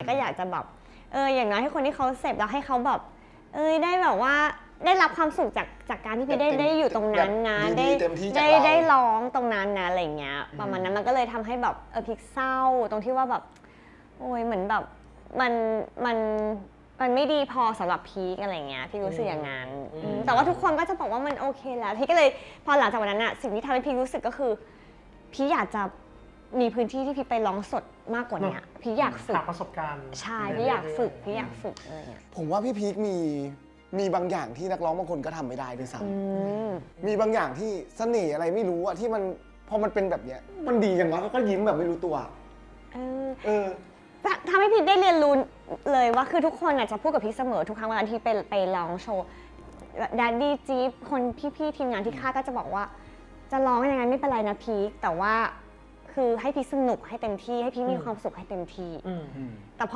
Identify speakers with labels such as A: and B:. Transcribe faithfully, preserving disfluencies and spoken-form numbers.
A: ก็อยากจะแบบเอออย่างน้อยให้คนที่เขาเสพแล้วให้เขาแบบเอ้ยได้แบบว่าได้รับความสุขจากจากการที่พี่ได้ได้อยู่ตรงนั้นนะได้ได้ได้ร้องตรงนั้นนะอะไรเงี้ยประมาณนั้นมันก็เลยทำให้แบบเออพีคเศร้าตรงที่ว่าแบบโอ้ยเหมือนแบบมันมันมันไม่ดีพอสำหรับพีคอะไรเงี้ยพี่รู้สึกอย่างนั้นแต่ว่าทุกคนก็จะบอกว่ามันโอเคแล้วพี่ก็เลยพอหลังจากวันนั้นอะสิ่งที่ทำให้พี่รู้สึกก็คือพี่อยากจะมีพื้นที่ที่พี่ไปร้องสดมากกว่านี้พี่อยากฝึก
B: หาประสบการณ์
A: ใช่พี่อยากฝึกพี่อยากฝึกอะไรเงี้ย
C: ผมว่าพี่พีคมีมีบางอย่างที่นักร้องบางคนก็ทำไม่ได้ด้วยซ้ำมีบางอย่างที่เสน่ห์อะไรไม่รู้อะที่มันพอมันเป็นแบบเนี้ยมันดีอย่างวะก็ยิ้มแบบไม่รู้ตัว
A: เออ
C: เออ
A: ทำให้พี่ได้เรียนรู้เลยว่าคือทุกคนจะพูดกับพี่เสมอทุกครั้งเวลาที่ไปไปร้องโชว์ดัดดี้จี๊บคนพี่ๆทีมงานที่ค่ายก็จะบอกว่าจะร้องยังไงไม่เป็นไรนะพีคแต่ว่าคือให้พี่สนุกให้เต็มที่ให้พี่มีความสุขให้เต็มที่แต่พอ